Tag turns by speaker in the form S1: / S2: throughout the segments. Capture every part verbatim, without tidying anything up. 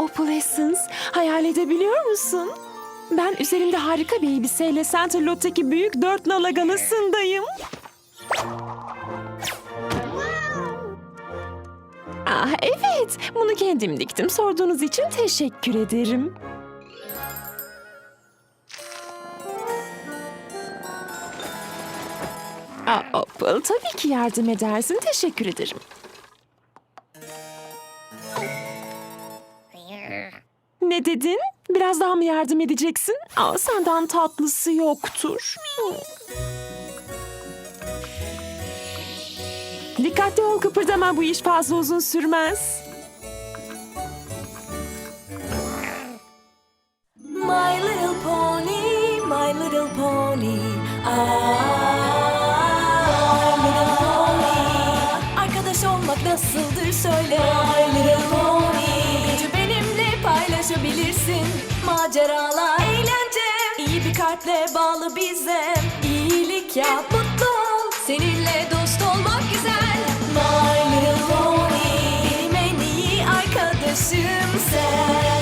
S1: Opalescence, hayal edebiliyor musun? Ben üzerimde harika bir elbiseyle Centerlot'taki büyük dört nala galasındayım. Ah evet, bunu kendim diktim. Sorduğunuz için teşekkür ederim. Aa, Opal, tabii ki yardım edersin. Teşekkür ederim. Ne dedin? Biraz daha mı yardım edeceksin? Aa, senden tatlısı yoktur. Dikkatli ol, kıpırdama, bu iş fazla uzun sürmez.
S2: My little pony, my little pony. Ah, my little pony. Arkadaş olmak nasıldır söyle. My little pony. Gücü benimle paylaşabilirsin. Maceralar, eğlence. İyi bir kalple bağlı bize. İyilik yap, mutlu ol. Seninle dost olmak güzel. My little pony. Benim en iyi arkadaşım sen.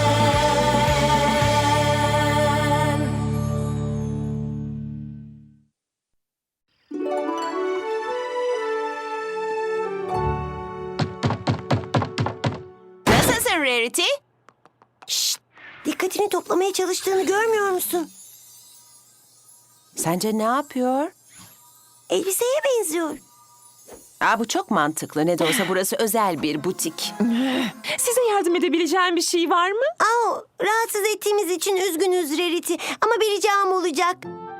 S3: Nasılsın Rarity?
S4: Şşt! Dikkatini toplamaya çalıştığını görmüyor musun?
S3: Sence ne yapıyor?
S4: Elbiseye benziyor.
S3: Aa, bu çok mantıklı. Ne de olsa burası özel bir butik.
S1: Size yardım edebileceğim bir şey var mı?
S4: Aa, rahatsız ettiğimiz için üzgünüz Rarity. Ama bir ricam olacak.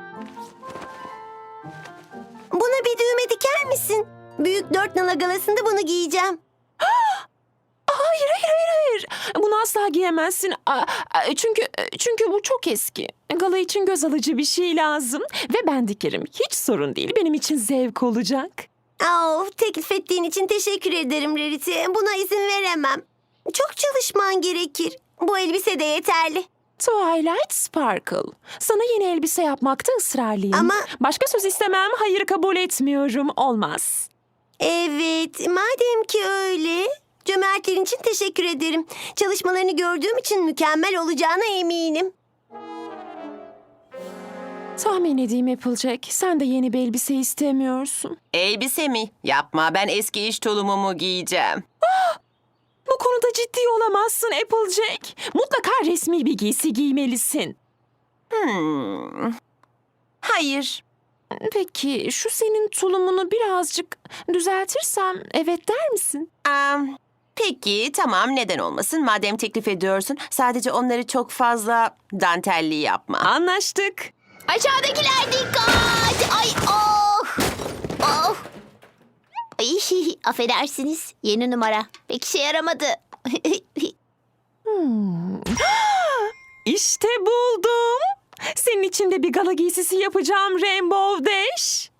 S4: Buna bir düğme diker misin? Büyük dört nala galasında bunu giyeceğim.
S1: Hayır, hayır, hayır, hayır. Bunu asla giyemezsin. Aa, aa, Çünkü çünkü bu çok eski. Gala için göz alıcı bir şey lazım. Ve ben dikerim. Hiç sorun değil. Benim için zevk olacak.
S4: Aa, teklif ettiğin için teşekkür ederim Rarity. Buna izin veremem. Çok çalışman gerekir. Bu elbise de yeterli.
S1: Twilight Sparkle. Sana yeni elbise yapmakta ısrarlıyım.
S4: Ama-
S1: Başka söz istemem. Hayır, kabul etmiyorum. Olmaz.
S4: Evet, madem ki öyle... Cömertlerin için teşekkür ederim. Çalışmalarını gördüğüm için mükemmel olacağına eminim.
S1: Tahmin edeyim Applejack. Sen de yeni bir elbise istemiyorsun.
S3: Elbise mi? Yapma, ben eski iş tulumumu giyeceğim.
S1: Bu konuda ciddi olamazsın Applejack. Mutlaka resmi bir giysi giymelisin.
S3: Hmm. Hayır.
S1: Peki şu senin tulumunu birazcık düzeltirsem evet der misin?
S3: Am, peki, tamam, neden olmasın? Madem teklif ediyorsun, sadece onları çok fazla dantelli yapma.
S1: Anlaştık.
S5: Aşağıdakiler dikkat! Ay oh! Oh! Ay, affedersiniz. Yeni numara. Pek işe yaramadı.
S1: İşte buldum. Senin için de bir gala giysisi yapacağım Rainbow Dash.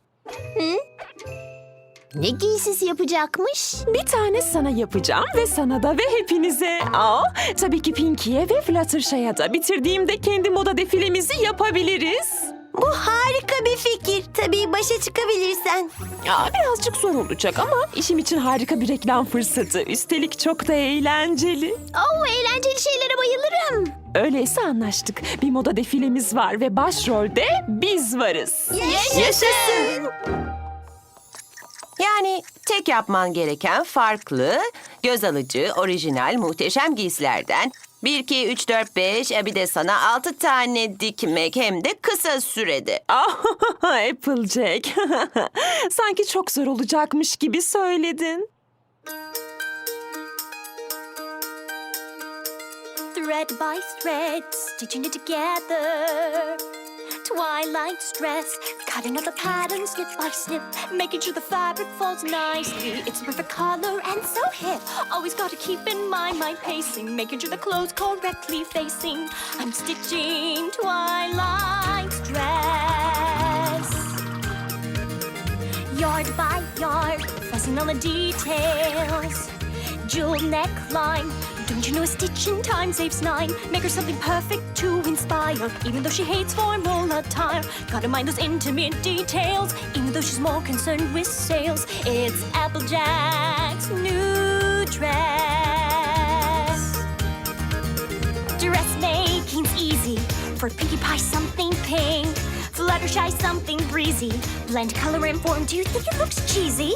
S5: Ne giysisi yapacakmış?
S1: Bir tane sana yapacağım ve sana da ve hepinize. Aa, tabii ki Pinky'ye ve Fluttershy'a da. Bitirdiğimde kendi moda defilemizi yapabiliriz.
S4: Bu harika bir fikir. Tabii başa çıkabilirsen.
S1: Aa, birazcık zor olacak ama işim için harika bir reklam fırsatı. Üstelik çok da eğlenceli.
S5: Oh, eğlenceli şeylere bayılırım.
S1: Öyleyse anlaştık. Bir moda defilemiz var ve başrolde biz varız.
S5: Yaşasın!
S3: Yani tek yapman gereken farklı, göz alıcı, orijinal, muhteşem giysilerden bir, iki, üç, dört, beş, e, bir de sana altı tane dikmek, hem de kısa sürede.
S1: Ah, Applejack. Sanki çok zor olacakmış gibi söyledin.
S2: Thread by thread, stitching it together. Twilight's dress, cutting out the pattern snip by snip, making sure the fabric falls nicely. It's the perfect color and so hip. Always got to keep in mind my pacing, making sure the clothes correctly facing. I'm stitching Twilight's dress. Yard by yard, fussing on the details. Jewel neckline. Don't you know a stitch in time saves nine? Make her something perfect to inspire. Even though she hates formal attire, gotta mind those intimate details. Even though she's more concerned with sales, it's Applejack's new dress.
S6: Fluttershy something breezy. Blend color and form, do you think it looks cheesy?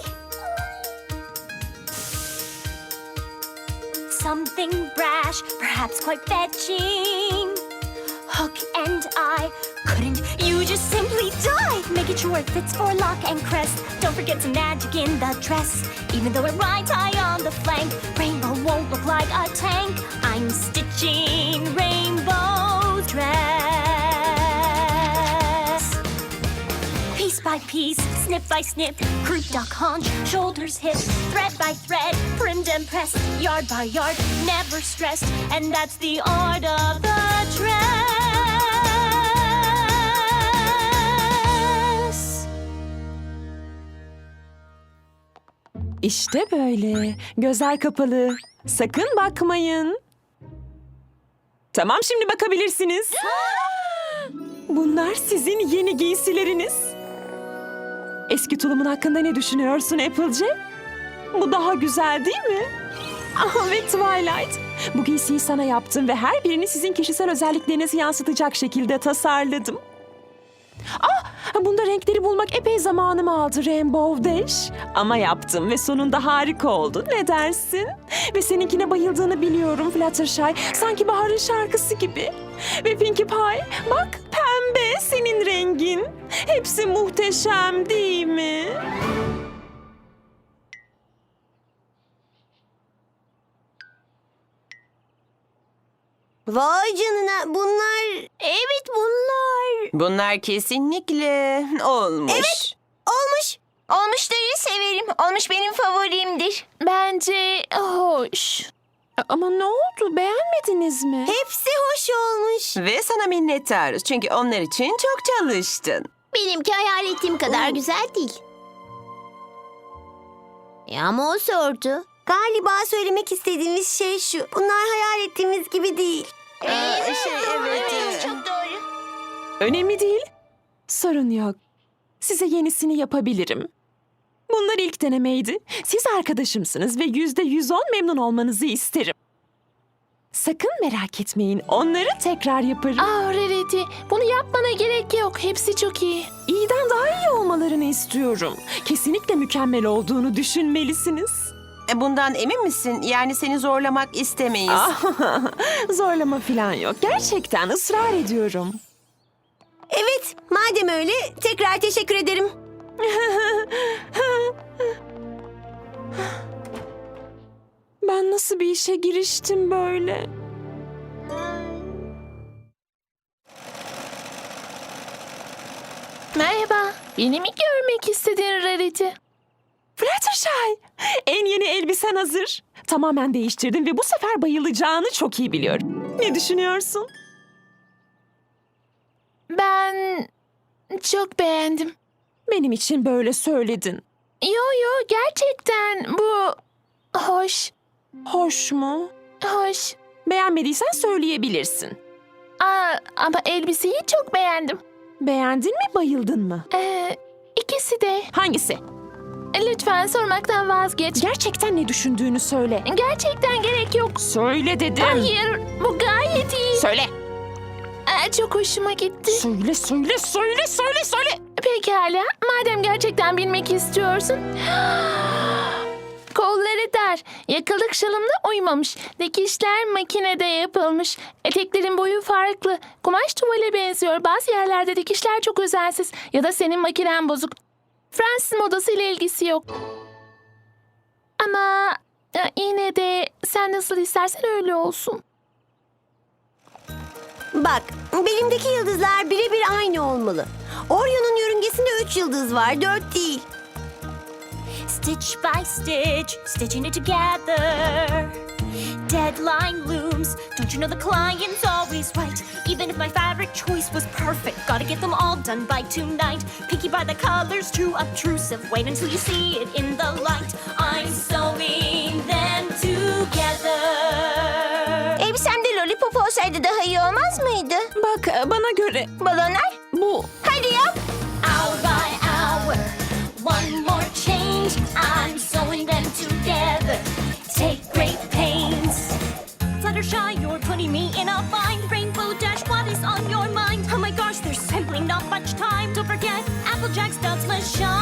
S6: Something brash, perhaps quite fetching. Hook and eye, couldn't you just simply die? Making sure it fits for lock and crest. Don't forget some magic in the dress. Even though it rides high on the flank, Rainbow won't look like a tank. I'm stitching Rainbow's dress. Piece by piece, snip by snip, croup, duck, haunch, shoulders, hip, thread by thread, primmed and pressed, yard by yard, never stressed, and that's the art of the dress.
S1: İşte böyle. Gözler kapalı. Sakın bakmayın. Tamam, şimdi bakabilirsiniz. Bunlar sizin yeni giysileriniz. Eski tulumun hakkında ne düşünüyorsun Applejack? Bu daha güzel değil mi? Ah, ve Twilight. Bu giysiyi sana yaptım ve her birini sizin kişisel özelliklerinizi yansıtacak şekilde tasarladım. Ah, bunda renkleri bulmak epey zamanımı aldı Rainbow Dash. Ama yaptım ve sonunda harika oldu. Ne dersin? Ve seninkine bayıldığını biliyorum Fluttershy. Sanki baharın şarkısı gibi. Ve Pinkie Pie, bak pembe senin rengin. Hepsi muhteşem değil mi?
S4: Vay canına, bunlar...
S5: Evet bunlar.
S3: Bunlar kesinlikle olmuş. Evet.
S4: Olmuş.
S5: Olmuşları severim. Olmuş benim favorimdir.
S1: Bence hoş. Ama ne oldu? Beğenmediniz mi?
S4: Hepsi hoş olmuş.
S3: Ve sana minnettarız çünkü onlar için çok çalıştın.
S5: Benimki hayal ettiğim kadar güzel değil. Ya ama o sordu.
S4: Galiba söylemek istediğimiz şey şu. Bunlar hayal ettiğimiz gibi değil.
S5: Evet,
S3: şey, evet, evet.
S5: Çok doğru.
S1: Önemli değil. Sorun yok. Size yenisini yapabilirim. Bunlar ilk denemeydi. Siz arkadaşımsınız ve yüzde yüz on memnun olmanızı isterim. Sakın merak etmeyin. Onları tekrar yaparım.
S7: Ah Rarity, bunu yapmana gerek yok. Hepsi çok iyi.
S1: İyiden daha iyi olmalarını istiyorum. Kesinlikle mükemmel olduğunu düşünmelisiniz.
S3: E, Bundan emin misin? Yani seni zorlamak istemeyiz.
S1: Ah, zorlama falan yok. Gerçekten ısrar ediyorum.
S4: Evet, madem öyle tekrar teşekkür ederim.
S1: Ben nasıl bir işe giriştim böyle?
S7: Merhaba, beni mi görmek istedin Rarity?
S1: Fluttershy, en yeni elbisen hazır. Tamamen değiştirdim ve bu sefer bayılacağını çok iyi biliyorum. Ne düşünüyorsun?
S7: Ben çok beğendim.
S1: Benim için böyle söyledin.
S7: Yo yo, gerçekten bu hoş,
S1: Hoş mu?
S7: hoş.
S1: Beğenmediysen söyleyebilirsin.
S7: Aa, ama elbiseyi çok beğendim.
S1: Beğendin mi, bayıldın mı?
S7: Ee, ikisi de.
S1: Hangisi?
S7: Lütfen sormaktan vazgeç.
S1: Gerçekten ne düşündüğünü söyle.
S7: Gerçekten gerek yok.
S1: Söyle dedim.
S7: Hayır, bu gayet iyi.
S1: Söyle.
S7: Aa, çok hoşuma gitti.
S1: Söyle, söyle, söyle, söyle, söyle.
S7: Pekala, madem gerçekten bilmek istiyorsun. Kolları dar, yakalık şalımla uymamış. Dikişler makinede yapılmış. Eteklerin boyu farklı. Kumaş tuvale benziyor. Bazı yerlerde dikişler çok özensiz. Ya da senin makinen bozuk. Fransız modası ile ilgisi yok. Ama e, yine de sen nasıl istersen öyle olsun.
S4: Bak, belimdeki yıldızlar birebir aynı olmalı. Orion'un yörüngesinde üç yıldız var, dört değil.
S6: Stitch by stitch, stitching it together. Deadline looms. Don't you know the client's always right? Even if my fabric choice was perfect, gotta get them all done by tonight. Picky by the colors, too obtrusive. Wait until you see it in the light. I'm sewing them together.
S5: Elbisemde lollipop olsaydı daha iyi olmaz mıydı?
S1: Bak, bana göre
S5: Balonlar?
S1: bu.
S5: Hadi yap.
S6: Hour by hour, one more change. I'm sewing them together. Take great pains. Fluttershy, you're putting me in a bind. Rainbow Dash, what is on your mind? Oh my gosh, there There's simply not much time. Don't forget, Applejack studs must shine.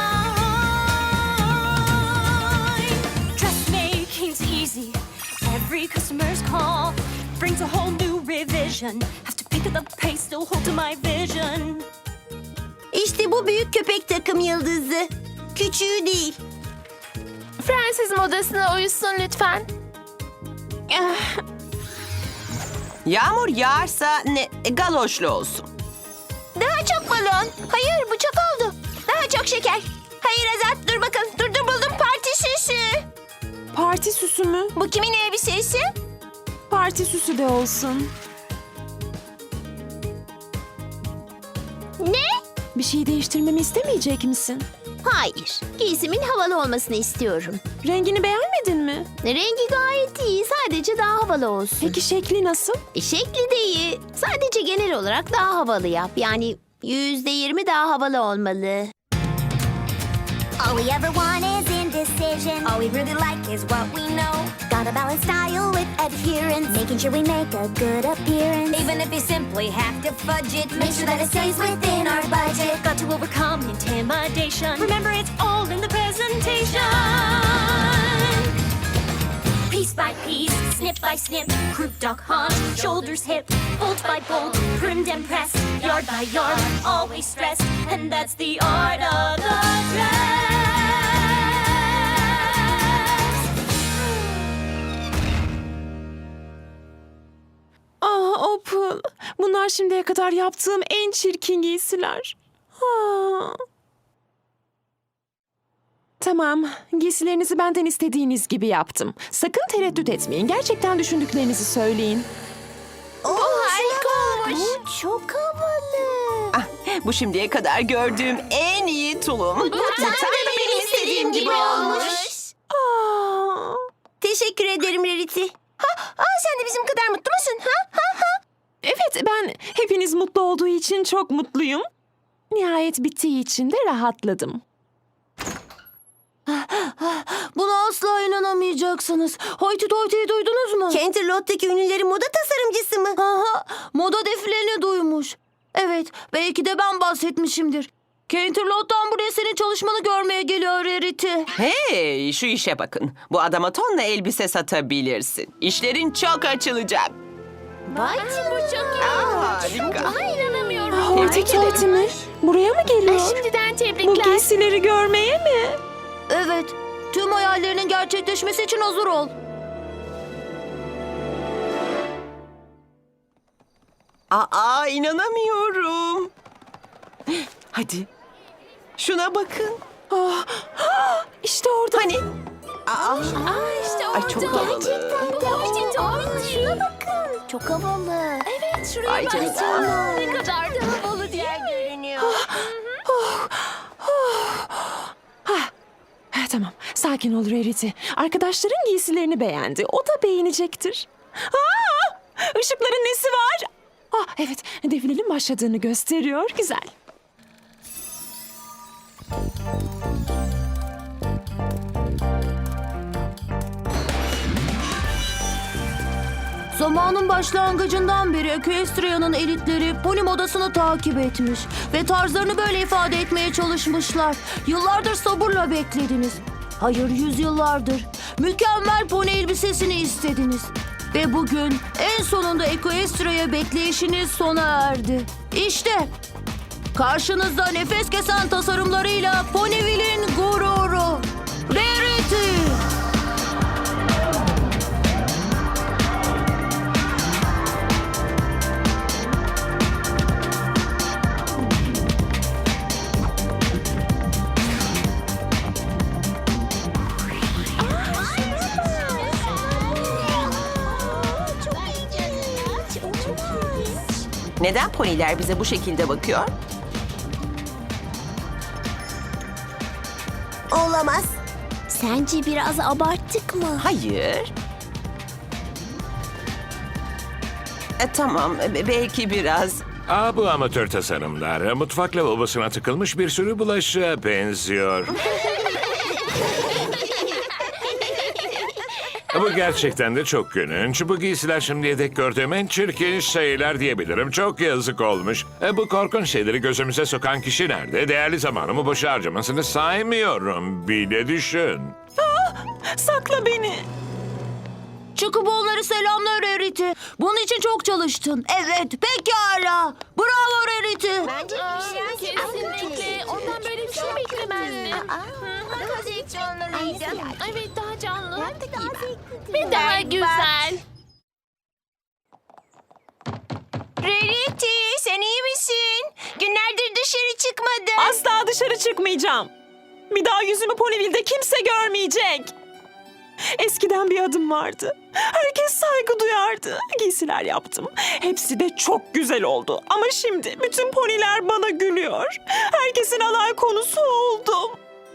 S6: Dressmaking's easy. Every customer's call brings a whole new revision. Have to pick up the pace, still hold to my vision.
S4: İşte bu büyük köpek takım yıldızı. Küçüğü değil.
S7: Fransız modasına uyusun lütfen.
S3: Yağmur yağarsa ne galoşlu olsun.
S5: Daha çok balon. Hayır bu çok oldu. Daha çok şeker. Hayır Azat dur bakın. Dur dur buldum parti süsü.
S1: Parti süsü mü?
S5: Bu kimin elbisesi?
S1: Parti süsü de olsun.
S5: Ne?
S1: Bir şey değiştirmemi istemeyecek misin?
S5: Hayır. Giysimin havalı olmasını istiyorum.
S1: Rengini beğenmedin mi?
S5: Rengi gayet iyi. Sadece daha havalı olsun.
S1: Peki şekli nasıl?
S5: E, şekli de iyi. Sadece genel olarak daha havalı yap. Yani yüzde yirmi daha havalı olmalı.
S6: All we ever want is indecision. All we really like is what we know. Gotta balance style with adherence, making sure we make a good appearance. Even if you simply have to fudge it, make sure that it stays within our budget. Got to overcome intimidation. Remember, it's all in the presentation. Piece by piece, snip by snip, croup duck haunch, shoulders hip, bolt by bolt, primmed and pressed, yard by yard, always stressed, and that's the art of the dress.
S1: Ah Opal, bunlar şimdiye kadar yaptığım en çirkin giysiler. Ah. Tamam, giysilerinizi benden istediğiniz gibi yaptım. Sakın tereddüt etmeyin, gerçekten düşündüklerinizi söyleyin.
S5: Harika olmuş. Bu çok havalı.
S3: Ah, bu şimdiye kadar gördüğüm en iyi tulum. Bu,
S5: Tam da benim istediğim gibi olmuş.
S1: Ah.
S4: Teşekkür ederim Rarity.
S5: Ha, aa, sen de bizim kadar mutlu musun? Ha? Ha, ha.
S1: Evet, ben hepiniz mutlu olduğu için çok mutluyum. Nihayet bittiği için de rahatladım.
S4: Buna asla inanamayacaksınız. Hoyti Toyty'yi duydunuz mu? Canterlot'taki ünlülerin moda tasarımcısı mı? Aha, moda defilelerini duymuş. Evet, belki de ben bahsetmişimdir. Canterlot'tan buraya senin çalışmanı görmeye geliyor Rarity.
S3: Hey, şu işe bakın. Bu adama tonla elbise satabilirsin. İşlerin çok açılacak.
S5: Vay
S7: Bu çok iyi.
S3: Harika.
S7: Buna inanamıyorum.
S1: Hoyti Toyti mi? Buraya mı geliyor?
S7: Şimdiden
S1: Bu
S7: tebrikler.
S1: giysileri görmeye mi?
S4: Evet, tüm hayallerinin gerçekleşmesi için hazır ol.
S3: Aa, inanamıyorum. Hadi. Şuna bakın.
S1: Ah, ah, işte orada.
S3: Hani? Aa,
S7: işte
S3: ay çok havalı.
S7: Bu Hoyti Toyti.
S5: Şuna bakın. Çok havalı.
S7: Evet şuraya
S3: Ay
S7: bak.
S3: canına.
S7: Ne kadar da havalı değil mi?
S5: Görünüyor.
S1: Ha, tamam, sakin ol Rarity. Arkadaşların giysilerini beğendi. O da beğenecektir. Aa, ışıkların nesi var? Ah, evet, defilenin başladığını gösteriyor. Güzel.
S4: Zamanın başlangıcından beri Equestria'nın elitleri pony modasını takip etmiş ve tarzlarını böyle ifade etmeye çalışmışlar. Yıllardır sabırla beklediniz. Hayır, yüzyıllardır. Mükemmel pony elbisesini istediniz. Ve bugün en sonunda Equestria'ya bekleyişiniz sona erdi. İşte karşınızda nefes kesen tasarımlarıyla Ponyville'in gururu Rarity.
S3: Neden poniler bize bu şekilde bakıyor?
S4: Olamaz.
S5: Sence biraz abarttık mı?
S3: Hayır. E, tamam, e, belki biraz.
S8: Aa, bu amatör tasarımlar mutfak lavabosuna tıkılmış bir sürü bulaşığa benziyor. Bu gerçekten de çok gülünç. Bu giysiler şimdiye dek gördüğüm en çirkin şeyler diyebilirim. Çok yazık olmuş. E, bu korkunç şeyleri gözümüze sokan kişi nerede? Değerli zamanımı boşa harcamasını saymıyorum. Bile düşün.
S1: Sakla beni.
S4: Çıkıp onları selamlar Rarity. Bunun için çok çalıştın. Evet, pekala. Bravo Rarity.
S5: Bence bir şey
S7: Kesinlikle. Ondan böyle bir şey beklemezdim.
S5: Daha zevkli olmalıydı.
S7: Evet, daha canlı.
S5: Hem de daha zevkli.
S7: Ve daha güzel.
S5: Rarity, sen iyi misin? Günlerdir dışarı çıkmadın.
S1: Asla dışarı çıkmayacağım. Bir daha yüzümü Ponyville'de kimse görmeyecek. Eskiden bir adım vardı. Herkes saygı duyardı. Giysiler yaptım. Hepsi de çok güzel oldu. Ama şimdi bütün poniler bana gülüyor. Herkesin alay konusu oldum.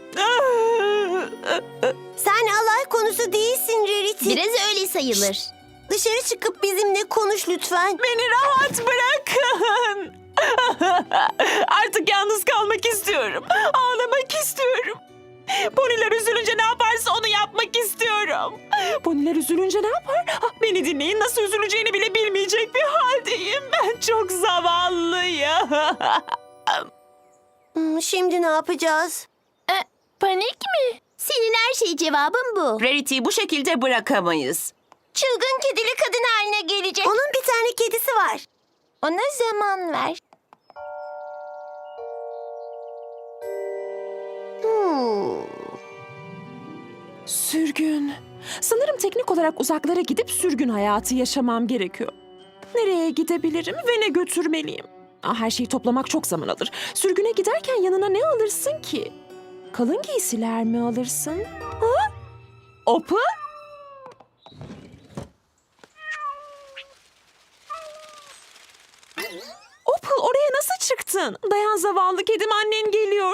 S5: Sen alay konusu değilsin Rarity. Biraz öyle sayılır. Dışarı çıkıp bizimle konuş lütfen.
S1: Beni rahat bırakın. Artık yalnız kalmak istiyorum. Ağlamak istiyorum. Poniler üzülünce ne yaparsa onu yapmak istiyorum. Poniler üzülünce ne yapar? Ah, beni dinleyin, nasıl üzüleceğini bile bilmeyecek bir haldeyim. Ben çok zavallıyım.
S5: Hmm, şimdi ne yapacağız?
S7: E, panik mi?
S5: Senin her şey cevabın bu.
S3: Rarity'yi bu şekilde bırakamayız.
S5: Çılgın kedili kadın haline gelecek. Onun bir tane kedisi var. Ona zaman ver. Hmm.
S1: Sürgün. Sanırım teknik olarak uzaklara gidip sürgün hayatı yaşamam gerekiyor. Nereye gidebilirim ve ne götürmeliyim? Ah, her şeyi toplamak çok zaman alır. Sürgüne giderken yanına ne alırsın ki? Kalın giysiler mi alırsın? Ha? Opa? Opal, oraya nasıl çıktın? Dayan zavallı kedim, annen geliyor.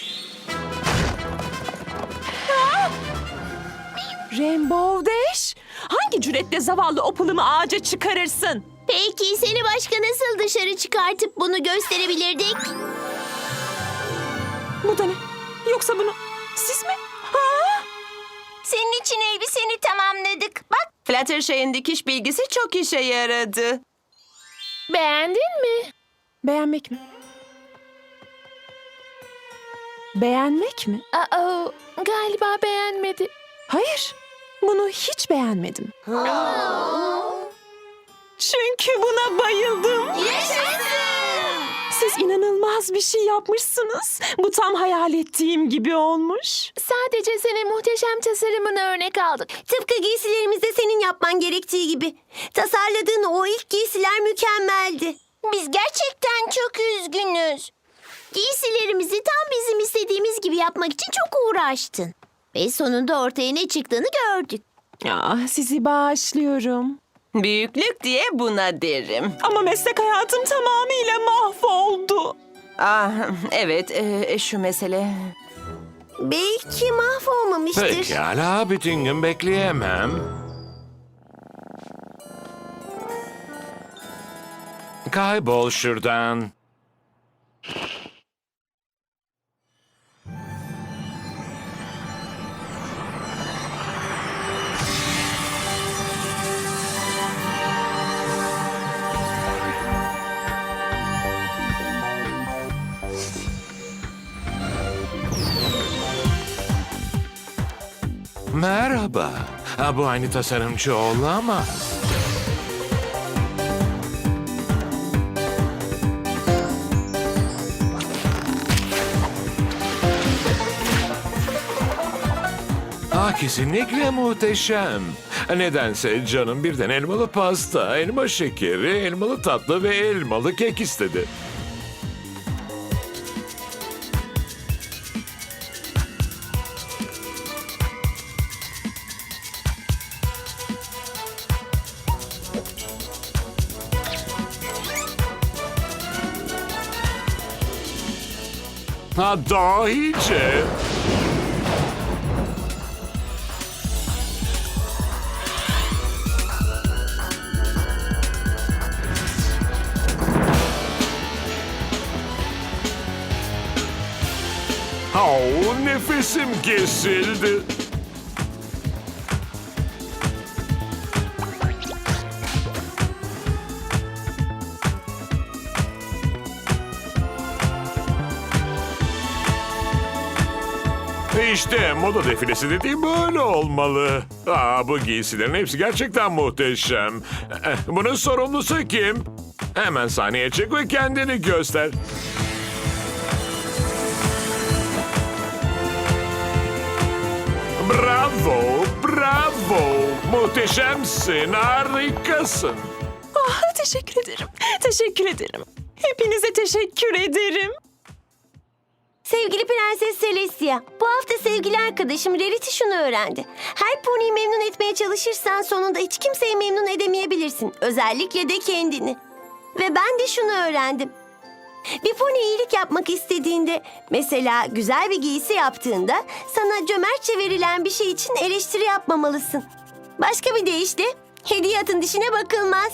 S1: Ha? Rainbow Dash? Hangi cüretle zavallı Opal'ımı ağaca çıkarırsın?
S5: Peki seni başka nasıl dışarı çıkartıp bunu gösterebilirdik?
S1: Bu da ne? Yoksa bunu siz mi? Ha?
S5: Senin için elbiseni tamamladık. Bak.
S3: Fluttershy'in dikiş bilgisi çok işe yaradı.
S7: Beğendin mi?
S1: Beğenmek mi? Beğenmek mi?
S7: Aa, galiba beğenmedi.
S1: Hayır, bunu hiç beğenmedim. Çünkü buna bayıldım. Siz inanılmaz bir şey yapmışsınız. Bu tam hayal ettiğim gibi olmuş.
S7: Sadece senin muhteşem tasarımını örnek aldık.
S5: Tıpkı giysilerimizde senin yapman gerektiği gibi. Tasarladığın o ilk giysiler mükemmeldi. Biz gerçekten çok üzgünüz. Giysilerimizi tam bizim istediğimiz gibi yapmak için çok uğraştın. Ve sonunda ortaya ne çıktığını gördük.
S1: Ya, sizi bağışlıyorum.
S3: Büyüklük diye buna derim.
S1: Ama meslek hayatım tamamıyla mahvoldu.
S3: Ah, evet, e, şu mesele.
S5: Belki mahvolmamıştır.
S8: Pekala, bütün gün bekleyemem. Kaybol şuradan. Merhaba. Ha, bu aynı tasarımcı olamaz. Ah, kesinlikle muhteşem. Nedense canım birden elmalı pasta, elma şekeri, elmalı tatlı ve elmalı kek istedi. Ha, dahice. Oh, nefesim kesildi. İşte moda defilesi dediğim böyle olmalı. Aa, bu giysilerin hepsi gerçekten muhteşem. Eh, Bunun sorumlusu kim? Hemen sahneye çık ve kendini göster. Bravo, bravo. Muhteşemsin, harikasın.
S1: Ah, teşekkür ederim. Teşekkür ederim. Hepinize teşekkür ederim.
S5: Sevgili Prenses Celestia, bu hafta sevgili arkadaşım Rarity şunu öğrendi. Her poniyi memnun etmeye çalışırsan sonunda hiç kimseyi memnun edemeyebilirsin. Özellikle de kendini. Ve ben de şunu öğrendim. Bir pony iyilik yapmak istediğinde, mesela güzel bir giysi yaptığında sana cömertçe verilen bir şey için eleştiri yapmamalısın. Başka bir deyişle hediye atın dişine bakılmaz.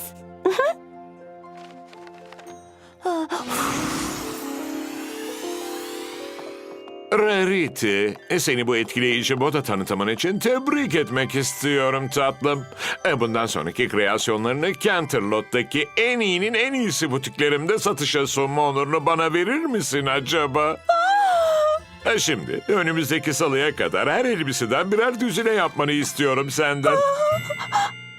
S8: Rarity, seni bu etkileyici moda tanıtımın için tebrik etmek istiyorum tatlım. E, Bundan sonraki kreasyonlarını Canterlot'taki en iyinin en iyisi butiklerimde satışa sunma onurunu bana verir misin acaba? E, Şimdi önümüzdeki salıya kadar her elbiseden birer düzine yapmanı istiyorum senden.